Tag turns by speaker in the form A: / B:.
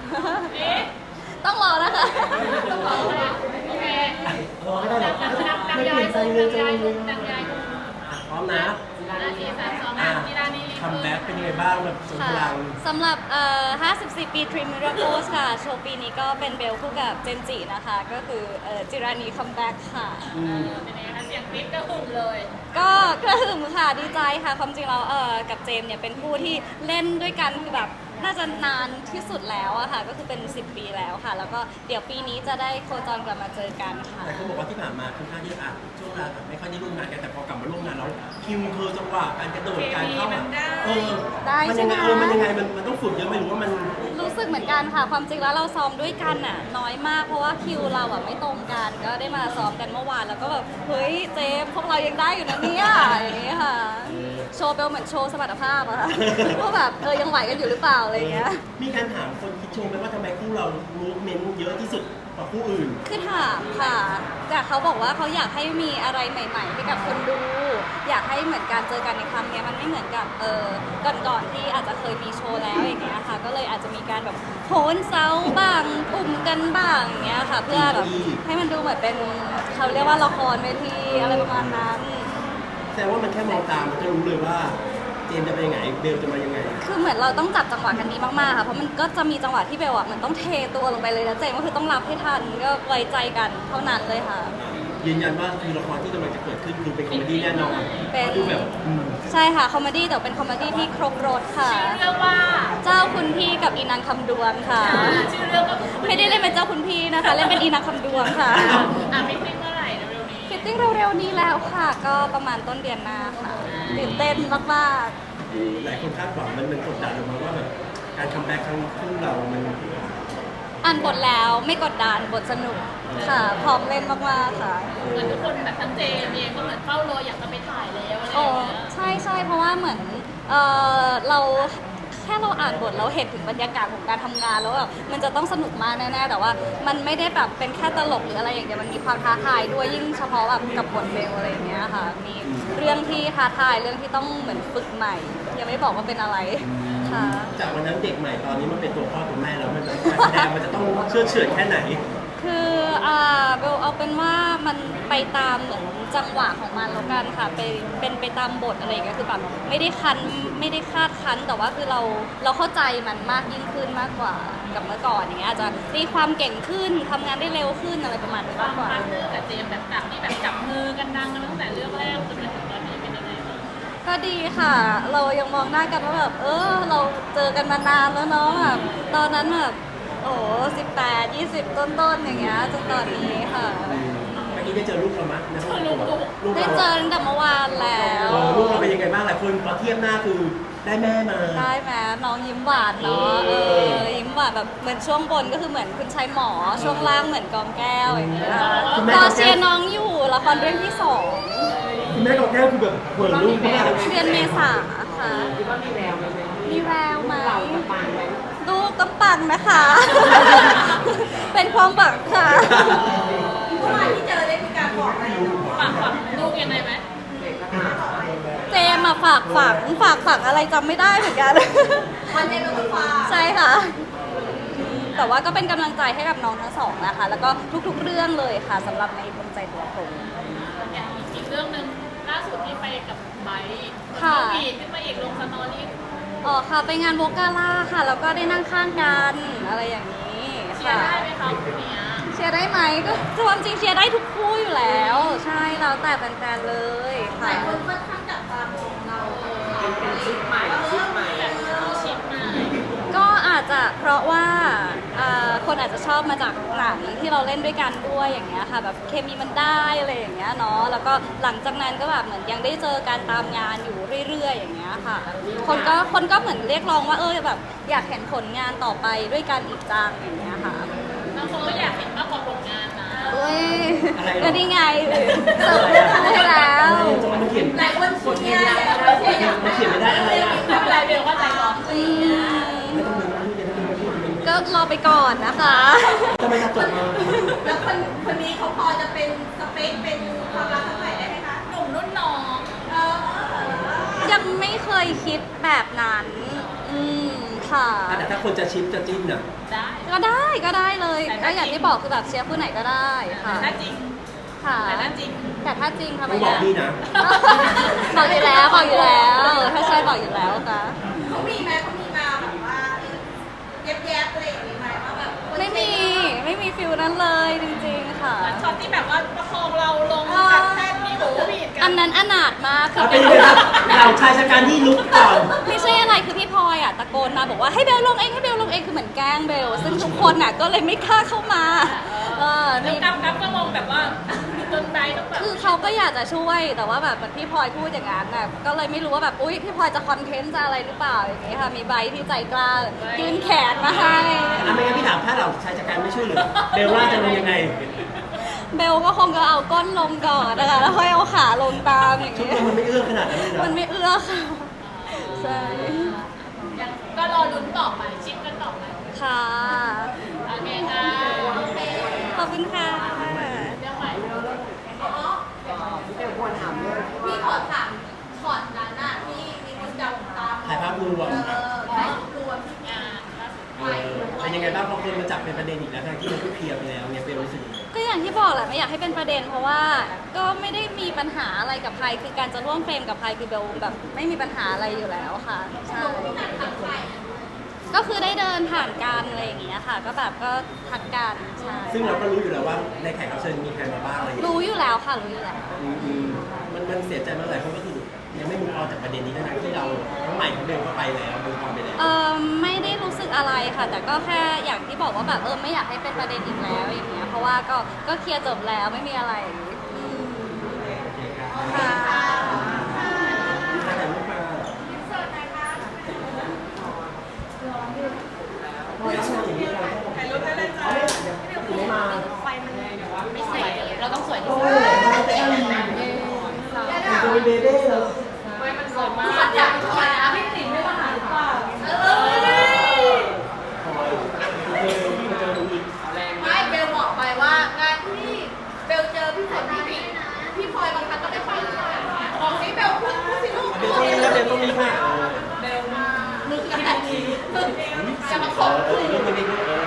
A: ต้องรอนะคะ
B: โอเค
C: รอไม่ได้หรอกไม่เปลี่ยนใจเลยจังเลยพร้อมนะคัมแบ็กเป็นยังไงบ้างแบบสมพลัง
A: สำหรับ54 ปี Dream Miracles ค่ะ โชว์ปีนี้ก็เป็นเบลคู่กับเจนจินะคะ ก็คือจิรานีคัมแบ็กค่ะ
B: เป็นยังไงคะเสียงกรี๊ดก็หึ่มเลย
A: ก็กระหึ่มค่ะดีใจค่ะ ความจริงเรากับเจมเนี่ยเป็นคู่ที่เล่นด้วยกันคือแบบน่าจะนานที่สุดแล้วอะค่ะ ก็คือเป็น10 ปีแล้วค่ะ แล้วก็เดี๋ยวปีนี้จะได้โคจรกลับมาเจอกันค่ะ
C: แต่เขาบอกว่าที่ผ่านมาค่อนข้างที่ช่วงเวลาแบบไม่ค่อยได้ร่วมงานกันแต่พอกลับมาร่วมงานแล้วคิวเธอจังหวะการกระโดดการเข้ามันยังไงมันต้องฝึกเยอะไหมหรือว่ามัน
A: รู้สึกเหมือนกันค่ะ ความจริงแล้วเราซ้อมด้วยกันอะน้อยมากเพราะว่าคิวเราอะไม่ตรงกันก็ได้มาซ้อมกันเมื่อวานแล้วก็แบบเฮ้ยเจมพวกเรายังได้อยู่นะเนี่ยอย่างนี้ค่ะโชว์เบลเหมือนโชว์สมรรถภาพอะค่ะว่าแบบยังไหวกันอยู่หรือเปล่าอะไรเงี้ย
C: มีการถามคนคิดชมไหมว่าทำไมคู่เรามูฟเมนต์เยอะที่สุดกว่าคู่อื่น
A: คือถามค่ะแต่เขาบอกว่าเขาอยากให้มีอะไรใหม่ๆให้กับคนดูอยากให้เหมือนการเจอกันในครั้งนี้มันไม่เหมือนกับก่อนๆที่อาจจะเคยมีโชว์แล้วอย่างเงี้ยค่ะก็เลยอาจจะมีการแบบโหนเซาบ้างปุ่มกันบ้างอย่างเงี้ยค่ะเพื่อแบบให้มันดูเหมือนเป็นเขาเรียกว่าละครเวทีอะไรประมาณนั้น
C: แต่ว่ามันแค่มองตามมันก็รู้เลยว่าเจมจะไปยังไงเบลจะมายังไง
A: คือเหมือนเราต้องจับจังหวะกันนี้มากๆค่ะเพราะมันก็จะมีจังหวะที่เบลมันต้องเทตัวลงไปเลยแล้วเจมก็คือต้องรับให้ทันก็ไว้ใจกันเท่านั้นเลยค่ะ
C: ยืนยันว่าคือละครที่กำลังจะเกิดขึ้นคือเป็นคอมเมดี้แน่นอน
A: เป็น
C: ดูแบบ
A: ใช่ค่ะคอมเมดี้แต่เป็นคอมเมดี้ที่ครบรสค่ะ
B: ชื่อเรื่องว่า
A: เจ้าคุณพี่กับอีนางคำดวงค่ะ
B: ชื่อเรื่องก็
A: ไม่ได้เล่นเป็นเจ้าคุณพี่นะคะเล่นเป็นอีนางคำดวงค่ะ
B: ฟิตติ้งเมื่อไหร่เร็วๆนี้
A: ฟิตติ้งเร็วๆนี้แล้วค่ะ ก็ประมาณต้นเดือนหน้าค่ะตื่นเต้นมาก
C: ๆหลายคนคาดหวังมันกดดันออกมาว่าแบบการคัมแบ็กครั้งคู่เรามัน
A: อ่านบทแล้วไม่กดดันบทสนุกค่ะพร้อมเล่นมากๆค่ะ
B: เหมือนทุกคนแบบทั้งเจมเองก็เหมือนเฝ้ารออยากจะไปถ่ายแล้วอะไรอ
A: ย่
B: างเงี้ย
A: ใช่เพราะว่าเหมือนเราแค่เราอ่านบทเราเห็นถึงบรรยากาศของการทำงานแล้วแบบมันจะต้องสนุกมากแน่ๆแต่ว่ามันไม่ได้แบบเป็นแค่ตลกหรืออะไรอย่างเงี้ยมันมีความท้าทายด้วยยิ่งเฉพาะแบบกับบทเบลอะไรอย่างเงี้ยค่ะมีเรื่องที่ท้าทายเรื่องที่ต้องเหมือนฝึกใหม่ยังไม่บอกว่าเป็นอะไรค่ะ
C: จากวันนั้นเด็กใหม่ตอนนี้มันเป็นตัวพ่อตัวแม่แล้วมันการแสดงมันจะต้องเชื่อเฉื่อยแค่ไหน
A: คือเบลเอาเป็นว่ามันไปตามเหมือนจังหวะของมันแล้วกันค่ะเป็นไปตามบทอะไรอย่างเงี้ยคือแบบไม่ได้คาดคั้นแต่ว่าคือเราเข้าใจมันมากยิ่งขึ้นมากกว่ากับเมื่อก่อนอย่างเงี้ยอาจจะมีความเก่งขึ้นทำงานได้เร็วขึ้นอะไรประมาณนี้มากกว่า
B: พาร์ทเนอร์กับเจมแบบจากที่แบบจับมือกันดังกันตั้งแต่เรื่องแรกจนมาถึงตอนนี้เป็นยังไงบ้าง
A: ก็ดีค่ะเรายังมองหน้ากันว่าแบบเราเจอกันมานานแล้วเนาะแบบตอนนั้นแบบ18 20ต้นๆอย่างเงี้ยจนตอนนี้ค่ะ
C: เมื่อกี้ได้เจอลูกเราไหม
A: ได้เจอตั้งแต่เมื่อวานแล้ว
C: ลูกเราเป็นยังไงบ้างหลายคนพอเทียบหน้าคือได้แม่มา
A: ได้ไหมน้องยิ้มหวานเนาะยิ้มหวานแบบเหมือนช่วงบนก็คือเหมือนคุณชายหมอช่วงล่างเหมือนกองแก้วอย่างเงี้ยรอเชียร์น้องอยู่ละครเรื่องที่2
C: คุณแม่กองแก้วคือแบบเหมือนลูกมาก
A: เดือนเมษาค่ะ
D: คิดว่ามีแววไหม
A: มีแววไหม
D: เราจะปังไหม
A: ลูกต้องปังนะคะ เป็นความหวังค่ะ
B: เมื่อวานที่เจอได้มีการบอกอะไรฝากลูกยังไงไหม
A: เจมมาฝากฝังอะไรจำไม่ได้เหมือนกัน
B: วันเจมเราต้องฝาก
A: ใช่ค่ะแต่ว่าก็เป็นกำลังใจให้กับน้องทั้งสองนะคะแล้วก็ทุกๆเรื่องเลยค่ะสำหรับในดวงใจตัวผม
B: อีกเรื่องนึงล่าสุดที่ไปกับไบค์อีกขึ้นมาอีกลงสตอรี่
A: ค่ะไปงานโวกาล่าค่ะแล้วก็ได้นั่งข้างกันอะไรอย่างนี้
B: เชียร์ได้ไหมคะคุณเนี้ย
A: เชียร์ได้ไหมก็ความจริงเชียร์ได้ทุกคู่อยู่แล้วใช่แล้วแต่แฟนๆเลย
B: ค่ะหลายคนค่อนข้างจับตามองเรา
D: เป็นชิปใหม่แบบชิปใหม่
A: ก็อาจจะเพราะว่าคนอาจจะชอบมาจากหนังที่เราเล่นด้วยกันด้วยอย่างเงี้ยค่ะแบบเคมีมันได้อะไรอย่างเงี้ยเนาะแล้วก็หลังจากนั้นก็แบบเหมือนยังได้เจอการตามงานอยู่เรื่อยๆอย่างเงี้ยค่ะคนก็เหมือนเรียกร้องว่าแบบอยากเห็นผลงานต่อไปด้วยกันอีกจังอย่างเงี้ยค่ะ
B: บางคนก็อยากเห็นมากกว่าผลงานนะ
A: ก็นี่ไงเสิร์ฟเรื่องให้แล้ว
C: มันเขียน
B: หลายคนเชียร์
C: มันเขียนไม่ได้อะไรอ่ะ
B: ไม่เป็นไรเบลว่าใจร้อน
A: ก็รอไปก่อนนะคะ
C: ทำไมจะจบมา
B: แล้วคนนี้เขาพอจะเป็นสเปคเป็นความรักครั้งใหม่ได้ไหมคะหนุ่มรุ่นน้อง
A: ยังไม่เคยคิดแบบนั้นค่ะ
C: แต่ถ้าคนจะชิปจะจิ้นอ่ะ
B: ได้
A: ก็ได้เลยก็อย่างที่บอกคือแบบเชียร์ผู้ไหนก็ได้ค่ะ
B: ถ้าจริง
A: ค่ะ
B: แต่ถ้าจริง
A: แต่ถ้าจริงทำไม
C: ต้องบอก
A: อะ
C: พี่นะ
A: บอกอยู่แล้วถ้าใช่บอกอยู่แล้วค่ะ
E: เขามีไหมเขามีมาแบบว่าแยบๆอะไรอย่างนี้ไหมว่าแบบ
A: ไม่มีฟิลนั้นเลยจริงๆค่ะ
B: ช็อตที่แบบว่าประคองเราลงจากแท่นมีโบวีดกั
A: อันนั้นอนาถมากคือ
C: เอาเป็นยังไงครับเราชายชะกันที่ลุกก่อน
A: ไม่ใช่อะไรคือพี่พลอยอ่ะตะโกนมาบอกว่าให้เบลลงเองคือเหมือนแกล้งเบลซึ่งทุกคนอ่ะก็เลยไม่กล้าเข้ามา
B: แล้ว
A: นี่
B: กั๊บก็มองแบบว่าจนไบต้องแบบ
A: คือเขาก็อยากจะช่วยแต่ว่าแบบเหมือนพี่พลอยพูดอย่างนั้นน่ะก็เลยไม่รู้ว่าแบบอุ๊ยพี่พลอยจะคอนเทนต์จะอะไรหรือเปล่าอย่างงี้ค่ะมีใบที่ใจกล้ายื่นแขนมาให้
C: อ่ะไม่งั้นพี่ถามถ้าเราชายชะกันไม่ช่วยเหลือเบลล่าจะลงยังไง
A: เบลก็คงจะเอาก้นลงก่อนนะคะแล้วค่อยเอาขาลงตามอย่าง
C: ชุด
A: งี้
C: มันไม่เอื้อขนาดนั้นเลยนะ
A: มันไม่เอื้อค่ะใช่
B: ก็รอลุ้นต่อไปชิปกันต่อไป
A: ค่ะ
B: โอเคค่ะ
A: ขอบคุณค่ะ
B: เรื่องใหม่
D: เดี๋ยวควรถามเรื่อง
E: พี่ขอถามช็อตนั้นน่ะที่มีคนจับตาม
C: ถ่ายภาพรวม
E: ถ่ายรวมที่
B: งานล่าสุด
C: เป็นยังไงบ้างพอคนมาจับเป็นประเด็นอีกแล้วทั้งที่มันก็เคลียร์ไปแล้วเนี่ยเบลรู้สึกยังไง
A: ก็อย่างที่บอกแหละไม่อยากให้เป็นประเด็นเพราะว่าก็ไม่ได้มีปัญหาอะไรกับใครคือการจะร่วมเฟรมกับใครคือเบลแบบไม่มีปัญหาอะไรอยู่แล้วค่ะใช่ก็คือได้เดินผ่านกันอะไรอย่างเงี้ยค่ะ ก็แบบก็ทักกันใช่
C: ซึ่งเราก็รู้อยู่แล้วว่าในแขกรับเชิญมีใครมาบ้างอะไรอย่างเงี้ย
A: รู้อยู่แล้วค่ะรู้อยู่แล้ว
C: มันเสียใจมากหลายคนก็คือยังไม่มุกออนจากประเด็นนี้ทั้งที่เราทั้งใหม่ทั้งเบลก็ไปแล้วมุกออนไปแล้ว
A: ไม่ได้รู้สึกอะไรค่ะ แต่ก็แค่อย่างที่บอกว่าแบบไม่อยากให้เป็นประเด็นอีกแล้วอย่างเงี้ยเพราะว่าก็เคลียร์จบแล้วไม่มีอะไรอืมค่ะ
C: แต่ลูกมาพอแล้วอย่างนี้เราต้อง
B: ถ่ายรูปได้เลยจ้า
C: ไม่มา
B: ไม่สวยเราต้องสวยที่
C: โอ้
B: สุด
C: ยมาแต่จะเป็นเบเบ้เลย
B: ไม่มันสวยมาก
E: มันอยากถอยนะพี่ติ๋มไม่มาหาหรือเปล่า
C: เจอดูอีก
E: ไม่เบลบอกไปว่างานที่เบลเจอพี่ฝนพี่บิ๊กพี่พลอยบางครั้งก็ได้ไปบอกนี่เบลพูดสิลูก
C: เบลต้องนี้แล้วเบลต้องนี้ค่ะ
E: เบลมานึกกันจะมาข
C: ขอ
E: อบคุณ
C: อีกรูปนึงอีกรูป